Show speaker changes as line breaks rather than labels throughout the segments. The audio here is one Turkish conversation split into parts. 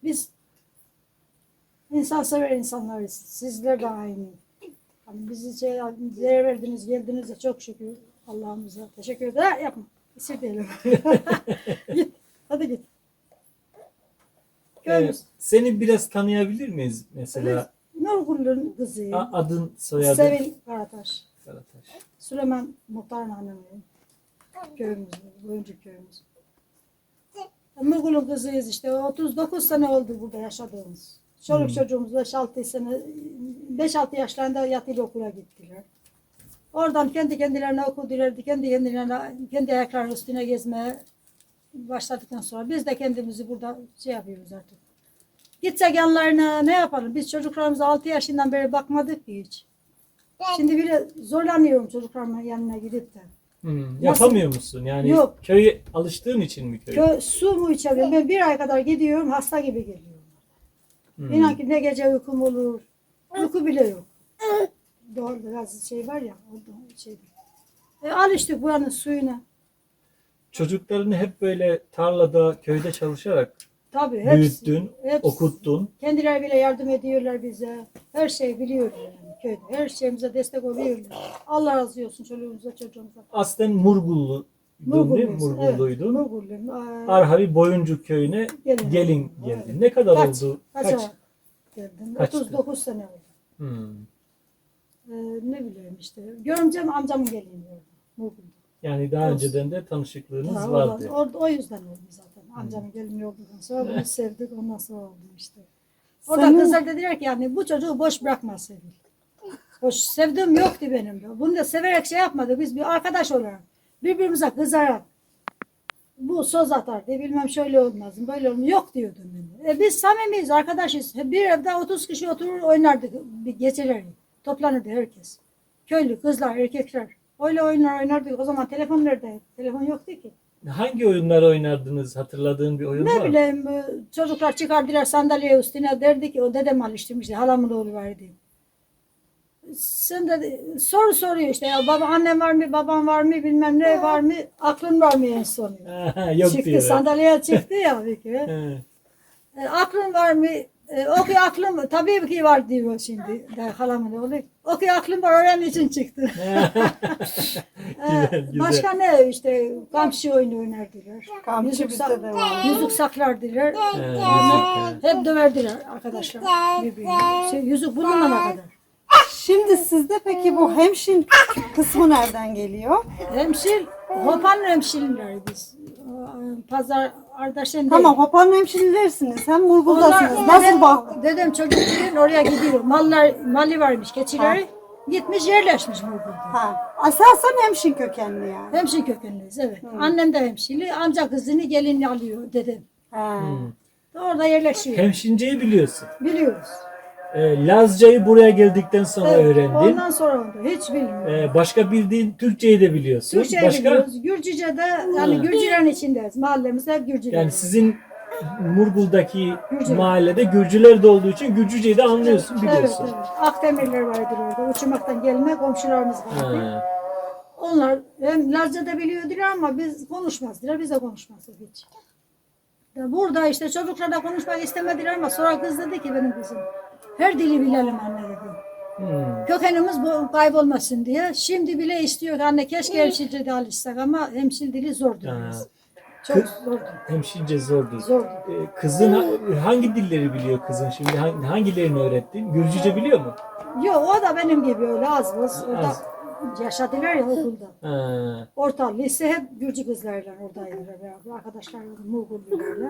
Biz insansever insanlarız. Sizler de aynı. Hani bizi değer verdiniz, geldiniz de çok şükür Allah'ımıza. Teşekkür ederim. Yapma. İsir değilim. Git. Hadi git.
Seni biraz tanıyabilir miyiz mesela?
Nurgül'ün kızıyım.
Adın, soyadın?
Sevil Karataş.
Karataş.
Süleyman Muhtar'ın hanımıyım. Köyümüzde, Boyuncuk köyümüz. Nurgül'ün kızıyız işte. 39 sene oldu burada yaşadığımız. Çoluk çocuğumuz 5-6 sene, 5-6 yaşlarında yatılı okula gittiler. Oradan kendi kendilerine okudular, kendi kendilerine, kendi ayaklarının üstüne gezmeye başladıktan sonra biz de kendimizi burada yapıyoruz artık. Gitsek yanlarına ne yapalım? Biz çocuklarımıza 6 yaşından beri bakmadık ki hiç. Şimdi bile zorlanıyorum çocuklarımın yanına gidip de.
Yapamıyor musun? Yani
Yok.
Köye alıştığın için mi köye?
Su mu içemiyorum? Ben bir ay kadar gidiyorum, hasta gibi geliyorum. İnan ki ne gece uykum olur, uyku bile yok. Doğru biraz şey var ya, o şey. Alıştık buranın suyuna.
Çocuklarını hep böyle tarlada, köyde çalışarak
Tabii,
büyüttün,
hepsi.
okuttun.
Kendileri bile yardım ediyorlar bize. Her şey biliyorlar yani köyde. Her şeyimize destek oluyorlar. Allah razı olsun çoluğumuza, çocuğumuza.
Aslen Murgulluydun değil mi? Murgulluydun.
Evet, Murgulluyum.
Arhavi Boyuncuk köyüne gelin geldin.
Evet.
Ne kadar oldu?
Kaç geldim?
Kaçtı?
39 sene oldu. Ne bileyim işte. Görümcem amcamın gelini oldu. Murgul'da.
Yani daha önceden de tanışıklığınız vardı.
O yüzden oldu zaten. Amcamın gelini olduktan sonra bunu sevdik. Ondan sonra oldu işte. Orada kızlar dediler ki yani bu çocuğu boş bırakma Sevil. Hoş sevdiğim yoktu benim de. Bunu da severek şey yapmadı. Biz bir arkadaş olarak birbirimize kızarak bu söz atardı. Bilmem şöyle olmaz, böyle olmaz. Yok diyordum ben. Biz samimiyiz, arkadaşız. Bir evde 30 kişi oturur oynardık geceleri. Toplanırdı herkes. Köylü, kızlar, erkekler. Öyle oyunlar oynardık. O zaman telefon nerede? Telefon yoktu ki.
Hangi oyunlar oynardınız? Hatırladığın bir oyun var mı?
Ne bileyim çocuklar çıkardılar sandalye üstüne derdi ki o dedem alıştırmıştı. Halamın oğlu vardı. Sen de soru soruyor işte ya baba annem var mı babam var mı bilmem ne var mı aklın var mı en son
Yok
çıktı
diyor.
sandalyeye çıktı ya bir kere. Aklın var mı okuyor aklım tabii ki var diyor şimdi de halamın oğlu okuyor aklım var öğren için çıktı.
Güzel.
Başka ne işte kamçı oyunu oynardılar.
Kamçı bizde de var.
Yüzük saklardılar. Hep döverdiler arkadaşlar birbirine. Yüzük bulunana kadar.
Şimdi sizde peki bu hemşin kısmı nereden geliyor?
Hemşil, Hopan hemşirinler biz. Pazar Ardaşen
Tamam, Hopan'ın hemşinlersiniz. Hem Murgul'dasınız. Nasıl bak?
Dedem çocukken oraya gidiyor. Mali varmış, keçileri. Gitmiş yerleşmiş Murgul'da.
Asasen hemşin kökenli yani.
Hemşin kökenliyiz evet. Annem de hemşili. Amca kızını gelin alıyor dedem. Orada yerleşiyor.
Hemşinceyi biliyorsun.
Biliyoruz.
Lazcayı buraya geldikten sonra öğrendin.
Ondan sonra oldu. Hiç bilmiyorum.
Başka bildiğin Türkçeyi de biliyorsun.
Türkçeyi
Başka?
biliyoruz. Gürcüce de yani Gürcülerin içindeyiz. Mahallemiz hep Gürcüler.
Yani sizin Murgul'daki
Gürcü.
mahallede Gürcüler de olduğu için Gürcüceyi de anlıyorsun, biliyorsun.
Evet. Akdemirler vardır orada. Uçmaktan gelme komşularımız vardı. Onlar hem Lazca da biliyordular ama biz konuşmazdılar. Biz de konuşmazdık hiç. Burada işte çocuklar da konuşmak istemediler ama sonra kız dedi ki benim kızım her dili bilelim anne dedi. Kökenimiz bu kaybolmasın diye. Şimdi bile istiyor anne keşke hemşire de alışsak ama hemşire dili zordu. Çok zordu.
Hemşince zordu.
Zordu.
Kızın hangi dilleri biliyor kızın şimdi? Hangilerini öğrettin? Gürcüce biliyor mu?
Yok o da benim gibi öyle az buz. Orada yaşadılar ya okulda. Orta lise hep Gürcü kızlarla oradaydılar beraber. Arkadaşlarla Muğullularla.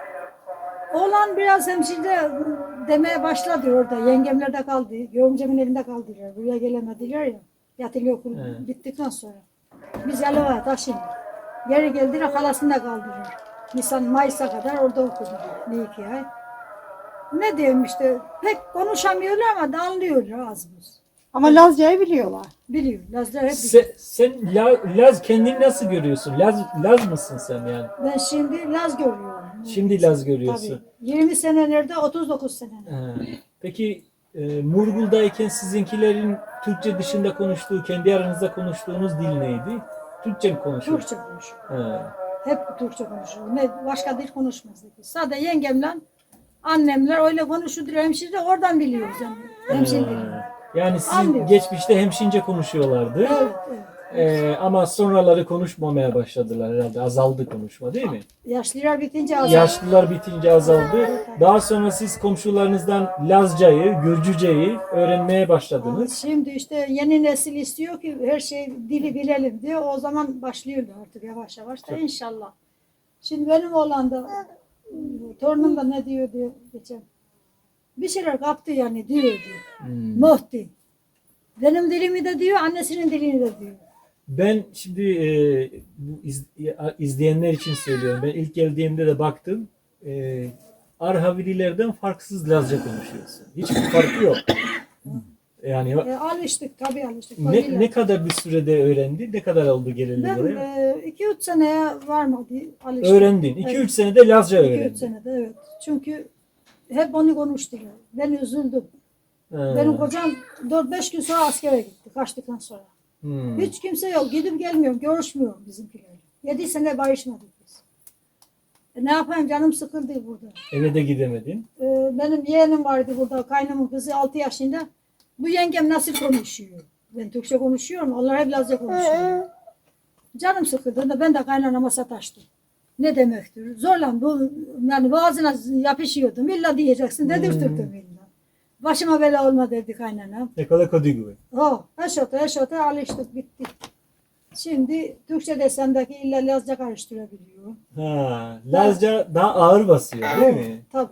Oğlan biraz hemşire demeye başladı orada. Yengemler de kaldı. Görümcemin evinde kaldılar. Buraya gelemediler ya. Yatılı okul bittikten sonra. Biz Yalova'ya taşındık. Geri geldiler halasında kaldılar. Nisan Mayıs'a kadar orada okudular. Bir iki ay. Ne diyeyim işte pek konuşamıyorlar ama da anlıyorlar az buz.
Ama Lazca'yı biliyorlar.
Biliyor. Lazlar hep biliyor.
Sen Laz kendini nasıl görüyorsun? Laz mısın sen yani?
Ben şimdi Laz görüyorum.
Şimdi Laz görüyorsun.
Tabii. 20 senelerde 39 senelerde.
Peki Murgul'dayken sizinkilerin Türkçe dışında konuştuğu, kendi aranızda konuştuğunuz dil neydi? Türkçe mi konuşuyor?
Türkçe konuşuyor. Hep Türkçe konuşuyor. Ne başka dil konuşmazdık. Sadece yengemle Annemler öyle konuşuyor hemşire oradan biliyoruz yani. Hemşire dilini.
Yani siz
Anlıyoruz.
geçmişte hemşince konuşuyorlardı.
Evet, evet.
Ama sonraları konuşmamaya başladılar herhalde. Azaldı konuşma değil mi?
Yaşlılar bitince azaldı.
Yaşlılar bitince azaldı. Daha sonra siz komşularınızdan Lazcayı, Gürcüceyi öğrenmeye başladınız.
Şimdi işte yeni nesil istiyor ki her şey dili bilelim diye o zaman başlıyorlar artık yavaş yavaş da inşallah. Şimdi benim oğlan da torunum da ne diyor diyor geçen. Bir şeyler kaptı yani diyor diyor. Muhti. Benim dilimi de diyor, annesinin dilini de diyor.
Ben şimdi bu izleyenler için söylüyorum. Ben ilk geldiğimde de baktım. Arhavililerden farksız Lazca konuşuyorsun. Hiçbir farkı yok. Yani
Alıştık tabii alıştık.
ne kadar bir sürede öğrendi? Ne kadar oldu geleli
Ben
buraya?
2-3 seneye varmadı alıştık.
Öğrendin. 2-3
Evet.
senede Lazca
2-3
öğrendin.
senede evet. Çünkü hep onu konuştular. Ben üzüldüm.
Ha.
Benim kocam 4-5 gün sonra askere gitti. Kaçtıktan sonra. Hiç kimse yok. Gidip gelmiyorum. Görüşmüyorum bizimkilerle. 7 sene barışmadık biz. Ne yapayım canım sıkıldı burada.
Eve de gidemedin.
Benim yeğenim vardı burada. Kaynımın kızı 6 yaşında. Bu yengem nasıl konuşuyor? Ben Türkçe konuşuyorum. Onlar hep Lazca konuşuyor. Canım sıkıldığında ben de kaynanama sataştım. Ne demektir? Zorla bu yani boğazına yapışıyordum. İlla diyeceksin. Dedirtirdim illa. Başıma bela olma dedi kaynanam.
Ne kadar kodigu.
Eşote alıştık bitti. Şimdi Türkçe desemdeki illa Lazca karıştırabiliyor.
Ha, Lazca daha ağır basıyor değil mi?
Tabii.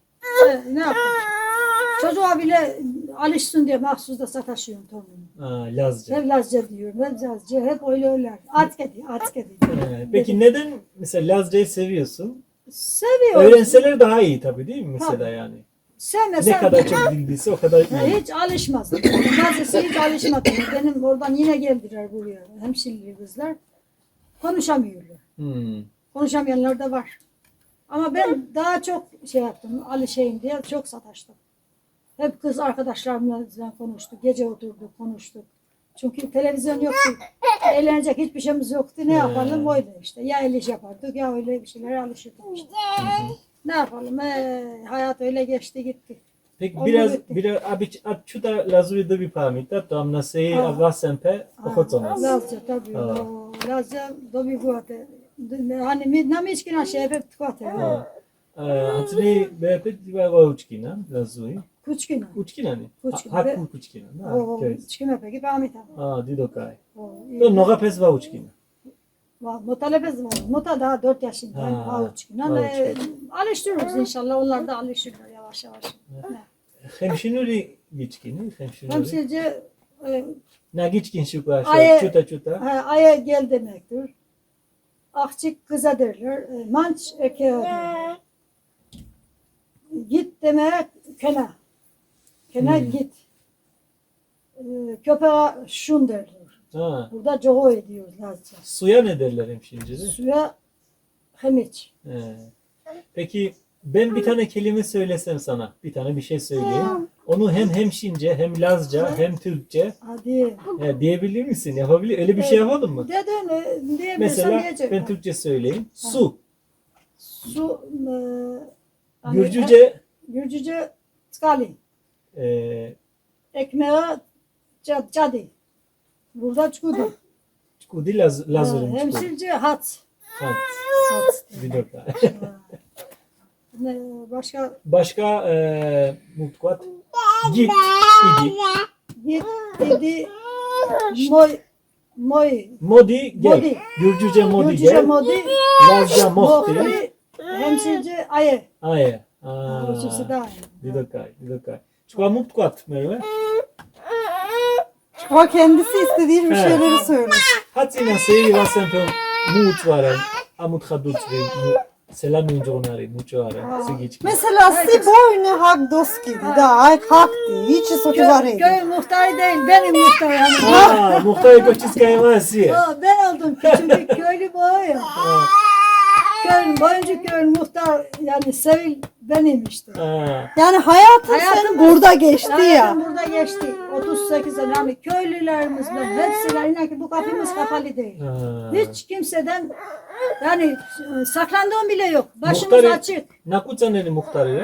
Ne yapayım? Çocuğa bile alışsın diye mahsus da sataşıyorum torunumu.
Ha, Lazca.
Hep Lazca diyorum, hep Lazca, hep öyle. Atke diyor.
Peki neden mesela Lazca'yı seviyorsun?
Seviyorum.
Öğrenseler daha iyi tabii değil mi mesela
Tabii.
yani?
Sevmesem
Ne kadar çok bildiyse o kadar iyi.
hiç alışmaz. Bazısı hiç alışmadı. Benim oradan yine geldiler buraya. Hemşireli kızlar. Konuşamıyorlar. Konuşamayanlar da var. Ama ben daha çok şey yaptım. Alışayım diye çok sataştım. Hep kız arkadaşlarımla konuştuk. Gece oturduk, konuştuk. Çünkü televizyon yoktu. Eğlenecek hiçbir şeyimiz yoktu. Ne yapalım? Öyle işte. Ya el iş yapardık ya öyle bir şeylere alışırdık işte. Ne yapalım? Hayat öyle geçti gitti.
Peki
Onu
biraz
bitti.
čuta Lazuri dobi pamita, to am na seji
Ha.
avasempe ohoconas.
Lazca tabii. Lazca dobi buate. Hani nam içkina şey hep tkate.
Hatri bepet diva vaučkina, Lazuri.
Kuçkina.
Učkina ni?
Kučkina.
Haku kučkina.
Çkina peki pamita.
Didokaj. To noga pes vaučkina.
Mutalebez var. Muta daha 4 yaşında. Avuçkina. Alıştırıyoruz inşallah. Onlar da alışırlar yavaş yavaş.
Hemşinuri gičkini, hemşinuri.
Hemşirce
Na gičkin şukla,
Aye.
čuta.
aya gel demektir. Akçık kıza derler. Manç eke derler. Git demek kena. Kena git. Köpeğe şun derler.
Ha.
Burada coğu ediyoruz Lazca.
Suya ne derler hemşincede?
Suya hemiç.
Peki ben bir tane kelime söylesem sana, bir tane bir şey söyleyeyim. Onu hem hemşince, hem Lazca, hem Türkçe
Hadi.
diyebilir misin? Yapabilir. Öyle bir şey yapalım mı?
Dedin diyebilsem
Mesela
diyecek.
ben Türkçe söyleyeyim. Su.
Su hani
Gürcüce
skali.
e,
Ekmeğe cadi. Burada çukudu.
Çukudi Lazurum çukudi.
Hemşirce hat.
Ha,
Hat.
bir dakika.
Başka
Başka mutkuat. Git, idi.
git dedi moy.
Modi gel.
Modi.
Gürcüce modi
Gürcüce
gel.
modi.
Lazca mohti.
Mohti. Hemşirce aye.
Aye.
Ölçüsü daha
Bir dakika. Çukua mutkuat Merve.
O kendisi istediği bir
Evet.
şeyleri söylüyor.
Hatsina seji vasempe mutvaren. Amut hadutsvi. Selam yuncuğunari. Muçuare. Sigiçki.
Mesela si boynu hak dost gibi da hak değil. Hiç sokular ediyor.
Köy muhtarı değil, benim muhtar yani.
Muhtay koçiskaya vasi.
Ben oldum küçük köylü boy ya. Köyün, boyunca köyün muhtar yani Sevil benim işte.
Yani hayatın
Hayatım
senin burada geçti ya.
Hayatım burada geçti. 38 sene yani köylülerimizle hepsiyle inan ki bu kapımız kapalı değil. Hiç kimseden yani saklandığım bile yok. Başımız açık.
Nakucaneni muhtarı.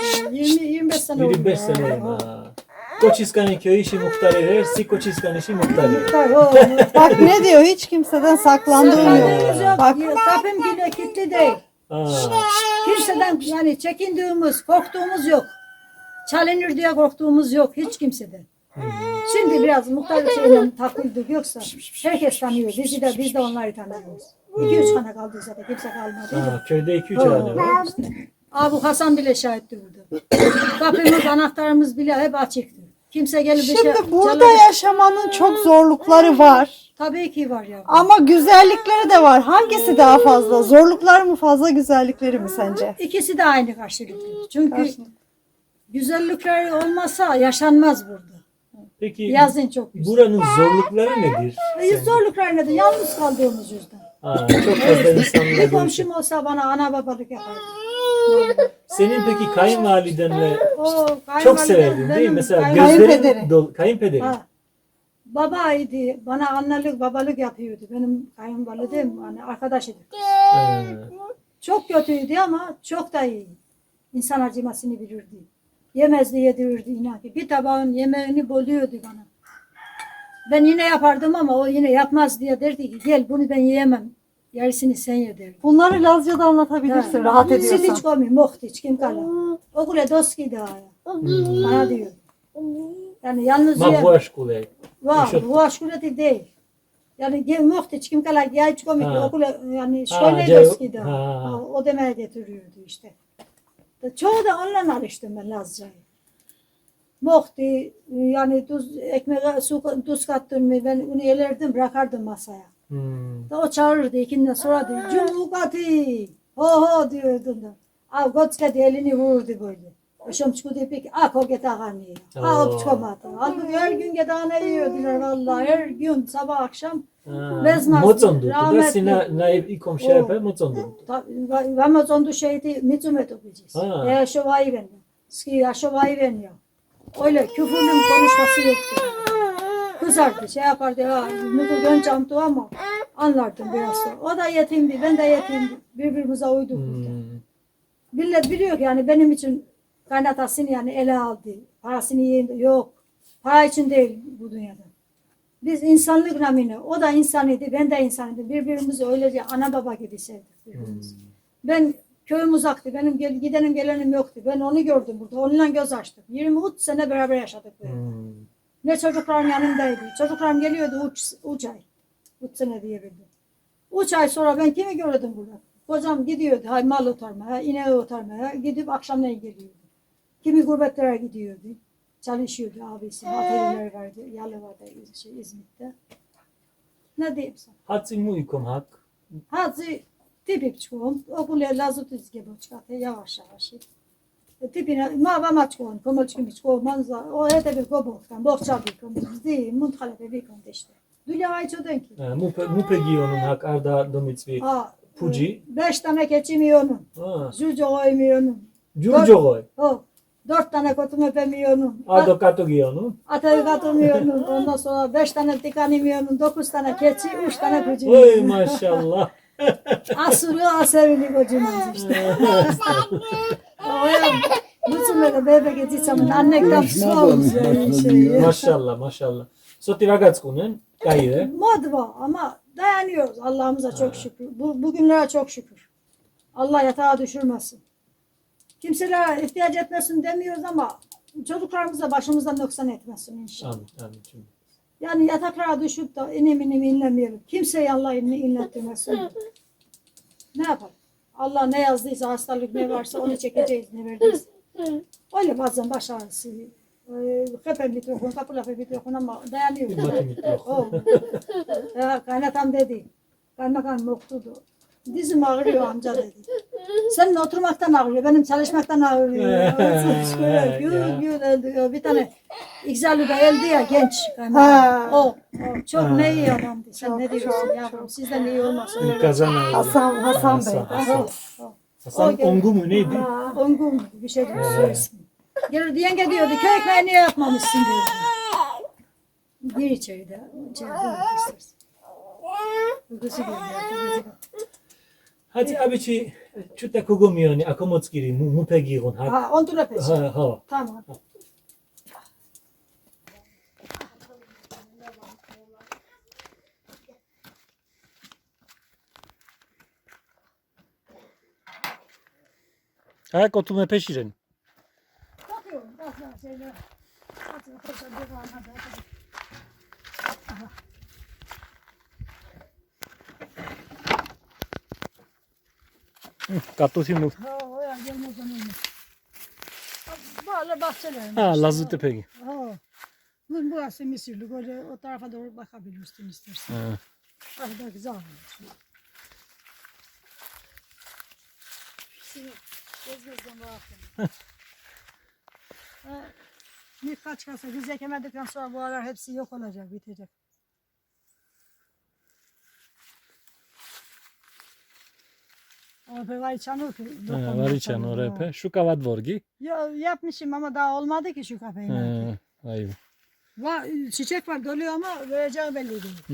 20-25 sene oldu.
25 sene. Ha. Koçiskan'ın köyü işi muhtar eder, si Koçiskan işi muhtar eder.
Tabii, o.
Bak ne diyor, hiç kimseden saklandığım yok.
Saklandığımız yok.
Bak.
Kapım bile kilitli değil.
Ha.
Kimseden yani çekindiğimiz, korktuğumuz yok. Çalınır diye korktuğumuz yok hiç kimseden. Şimdi biraz muhtarlık şeyle takıldık, yoksa herkes tanıyor. Biz de onları tanıyoruz. 2-3 tane kaldı zaten, kimse kalmadı.
Ha, köyde 2-3 tane var.
Abi Hasan bile şahittir burada. Kapımız, anahtarımız bile hep açıktır. Kimse gelip bir şey
Şimdi burada
çalamaz.
yaşamanın çok zorlukları var.
Tabii ki var ya.
Ama güzellikleri de var. Hangisi daha fazla? Zorluklar mı fazla, güzellikleri mi sence?
İkisi de aynı karşılıklı. Çünkü güzellikleri olmasa yaşanmaz burada.
Peki
Yazın çok güzel.
buranın zorlukları nedir?
Zorluklar nedir? Yalnız kaldığımız yüzden.
Ha, çok fazla insanla
Bir
görüşüyor.
komşum olsa bana ana babalık yapardı.
Senin peki kayınvalidenle
O
çok severdin değil mi?
benim
Mesela
Kayınpederi.
gözlerin dolu. Kayınpederi.
Ha, babaydı. Bana annelik babalık yapıyordu. Benim kayınvalidem hani arkadaşıydı.
Ha.
Çok kötüydü ama çok da iyi. İnsan acımasını bilirdi. Yemezdi, yedirirdi inan ki. Bir tabağın yemeğini bölüyordu bana. Ben yine yapardım ama o yine yapmaz diye derdi ki gel bunu ben yiyemem. Yarısını sen ye derdi.
Bunları Lazca'da anlatabilirsin, rahat ediyorsan.
Siliç komi, mohtiç, kim kala. Okule doski da ya. Bana diyor. Yani yalnız
Ma bu aşk olay.
var,
Yaşat-
bu aşkuleti değil. Yani mohtiç, kim kala, yayç komi,
Ha.
okule, yani
Ha,
şöyle
cay-
doski da.
ha.
Ha, o demeye getiriyordu işte. Çoğu da onunla alıştım ben Lazca'yı. Mohti, yani ekmeğe tuz kattın mı ben onu elerdim, bırakardım masaya. Da o çağırırdı ikinden sonra diyor, Cumhurkati, ho ho diyordum da. Av gotskati elini vururdu böyle. Şom çıkıyordu peki, o getağını yiyor. O çıkamadı. Halbuki her gün getağını yiyordular vallahi, her gün sabah akşam. Vezmaz,
Mocon da
rahmetli.
sina naib i komşu yapar Mocon da.
Vamos ondu şeydi, mitzumet okuyacağız.
Ha.
Ya şovayı beniyor. Ski ya şovayı beniyor. Öyle küfürlü konuşması yoktu. Kızardı, şey yapardı, ya nuku gönçamdı ama anlardım biraz sonra. O da yetimdi, ben de yetimdi. Birbirimize uyduk burada. Millet biliyor ki yani benim için kaynatasını yani ele aldı. Parasını yiyin, yok. Para için değil bu dünyada. Biz insanlık namine, o da insanıydı, ben de insanıydım. Birbirimizi öylece ana baba gibi sevdik birbirimizi. Ben köyüm uzaktı, benim gidenim gelenim yoktu. Ben onu gördüm burada, onunla göz açtım. 23 sene beraber yaşadık böyle. Ne çocuklarım yanımdaydı. Çocuklarım geliyordu 3 ay. 3 sene diyebildim. 3 ay sonra ben kimi gördüm burada? Kocam gidiyordu mal otarmaya, ineği otarmaya, gidip akşamleyin geliyordu. Kimi gurbetlere gidiyordu. Çalışıyordu abisi, atölyeler vardı, yalı vardı İzmit'te. Ne diyeyim sana?
Hatsi mu ikom hak.
Hadi tipip çıkıyorum, okula lazut izge boçkate yavaş yavaş. Tipine mama çıkıyorum, komoç kimi çıkıyorum, manza, o hete bir goboktan, bokça bir komoç, değil, munthalete bir komoç işte. Dülya ayço denk.
Mu pegi onun hak arda domitvi. Puci.
5 tane keçim yiyonum, jujo oymuyonum.
Jurjo goy.
O, 4 tane kotum öpemiyonum.
Ardo kato giyonu.
Atayı katılmıyordum. Ondan sonra 5 tane tikanimiyordum. 9 tane keçi, 3 tane kucu.
Oy maşallah.
Asırı asevini kocunuz işte. Oya, bütün böyle bebek edeceğim. Annekten soğumuz yani.
Maşallah maşallah. Soti ragazkunen kayı.
Mod var ama dayanıyoruz. Allah'ımıza çok şükür. Bugünlere çok şükür. Allah yatağa düşürmesin. Kimselere ihtiyaç etmesin demiyoruz ama çocuklarımıza başımızdan noksan etmesin inşallah.
Amin amin. Cümle.
Yani yataklara düşüp de inim inlemeyelim. Kimseye Allah inlettirmesin. Ne yapalım? Allah ne yazdıysa hastalık ne varsa onu çekeceğiz ne verdiyse. Öyle bazen baş ağrısı. Hepen mikrofon, kapı lafı mikrofon ama dayanıyor.
Mati mikrofon.
Kaynatam dedi. Kaymakam yoktudu. Dizim ağrıyor amca dedi. Senin oturmaktan ağrıyor, benim çalışmaktan ağrıyor. Gül öldü. Bir tane İgzalı'da öldü ya genç kaymakam. O çok ne iyi adamdı. Sen ne diyorsun yavrum? Sizden iyi olmasın.
Kazan
Hasan Bey.
Hasan Ongu mu neydi?
Ongu mu? Bir şey diyor. Soy ismi. Gelirdi yenge diyordu. Köy ekmeği niye yapmamışsın diyordu. Gir içeride. İçeride istersin. Uykusu geliyor.
Hadi abici çutta kugumiyoni akomotskiri mupegirun.
Ha, ondan öpeceğim.
Ha.
Tamam.
Ayak otumu peşirin.
Bakıyorum. Bak şeyler. Hadi koşa devam hadi.
Katusimu.
Ha, o ya gelmez onun. Böyle bahçelerim.
Ha, Lazlı Tepegi.
Ha. Burası Mısırlık. Öyle o tarafa doğru bakabilirsin istersen.
Ha.
Ah da güzel olmuş. Gezmezden bakın. Birkaç kasa biz ekemedikten sonra bu aralar hepsi yok olacak, bitecek. Orada var içanı ki.
Variçan orepe. Şu kavat vorgi.
Yapmışım ama daha olmadı ki şu kafeyi.
Ayıp.
Çiçek var doluyor ama vereceği belli değil.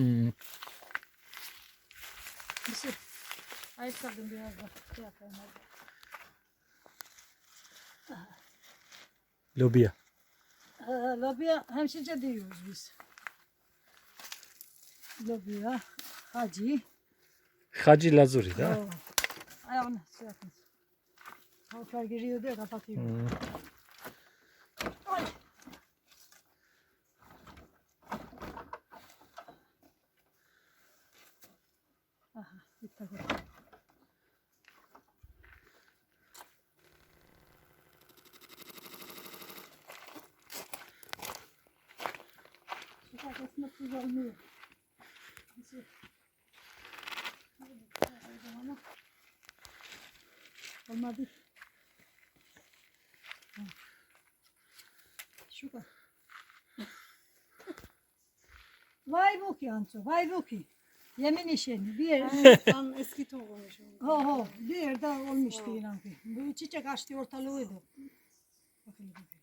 Mısır. Ayakkabım biraz da şey yapayım hadi.
Lobiya.
Lobiya hemşince diyoruz biz. Lobiya, hacı.
Hacı Lazuri da.
Ayağını şey yapın. Tavuklar giriyor diye kapatıyor. Ay. Aha, bitti. Şu kafasında tuz olmuyor. Neyse. Ama olmadı. Şu kadar. Vay bu ki Ansu, vay bu ki. Yemin işini bir yer.
Tam eski tohummuş.
Bir yerde olmuştu inan ki. Bu çiçek açtı ortalığıydı. Bakın.